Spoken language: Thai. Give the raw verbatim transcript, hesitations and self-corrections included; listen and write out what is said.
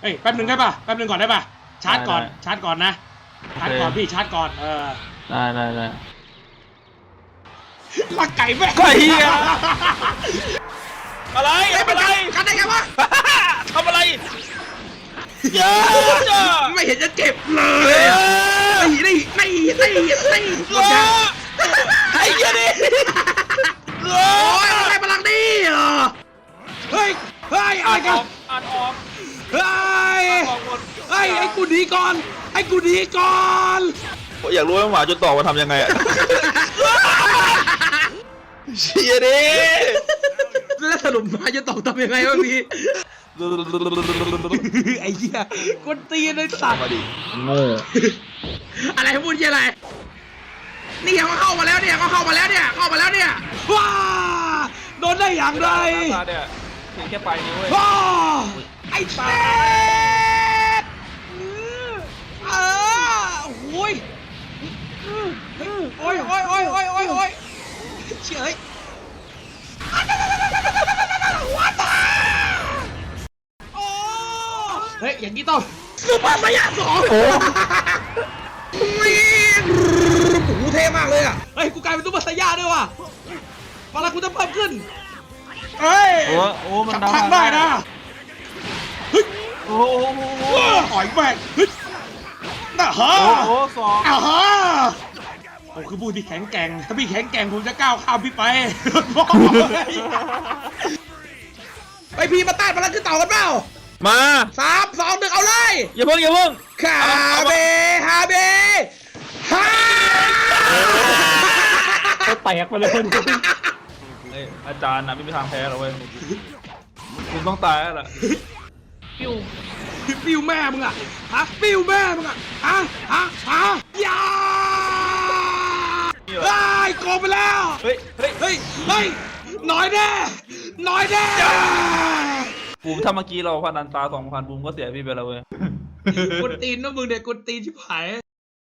เฮ้ยแป๊บนึงได้ป่ะแป๊บนึงก่อนได้ป่ะชาร์จก่อนชาร์จก่อนนะชาร์จก่อนพี่ชาร์จก่อนเออได้ได้ได้ลักไก่แม่ไก่อะอะไรอะไรกันได้ไงวะทำอะไรเยอะไม่เห็นจะเจ็บเลยนี่นี่นี่นี่นี่หมดแล้วไอ้ยันนี่โอ้ยอะไรพลังนี่เหรอเฮ้ยเฮ้ยอะไรกันอ่านออกเฮ้ยเฮ้ยไอ้กูดีก่อนไอ้กูดีก่อนอยากรู้ว่าหมาจุดต่อมาทำยังไงอะเชียดิแล้วสรุปมาจะตอบทำยังไงวะพี่ไอ้เหี้ยกดตีในสัตว์โง่อะไรพูดอะไรนี่เขาเข้ามาแล้วเนี่ยเขาเข้ามาแล้วเนี่ยเข้ามาแล้วเนี่ยว้าโดนได้อย่างไรเนี่ยเพียงแค่ปลายนิ้วเว้ยว้าไอ้เต้เออโอ้ยโอ้ยโอ้ยโอ้ยโอ้ยโอ้ยโอ้ยเฉยเฮ้ยอย่างนี้ต้องซูเปอร์ไซย่าสองโอ้โหเท่มากเลยอ่ะเฮ้ยกูกลายเป็นซูเปอร์ไซย่าด้วยว่ะพลังกูจะเพิ่มขึ้นเฮ้ยโอ้โอ้มันทำได้นะเฮ้ยโอ้โหต่อยแม่งเฮ้ยน่าฮะโอ้สองอ่าฮะผมคือผู้ที่แข็งแกร่งถ้าพี่แข็งแกร่งผมจะก้าวข้ามพี่ไปไปพี่มาต้านพลังขึ้นเต่ากันเปล่ามาสามสองหนึ่งเอาเลยอย่าเพิ่งอย่าเพิ่งคาเบฮาเบฮาแตกไปเลยอาจารย์นะไม่มีทางแพ้หรอกเว้ยคุณต้องตายแล้วล่ะปิ้วปิ้วแม่มึงอ่ะฮะปิ้วแม่มึงอ่ะฮะฮะฮะยาไอ้โกงไปแล้วเฮ้ยเฮ้ยเฮ้ยเฮ้ยน้อยแน่น้อยแน่บูมถ้าเมื่อกี้เราพนันตาสองพันบูมก็เสียพี่ไปแล้วเว้ยกดตีนนะมึงเด็กกดตีนชิบหาย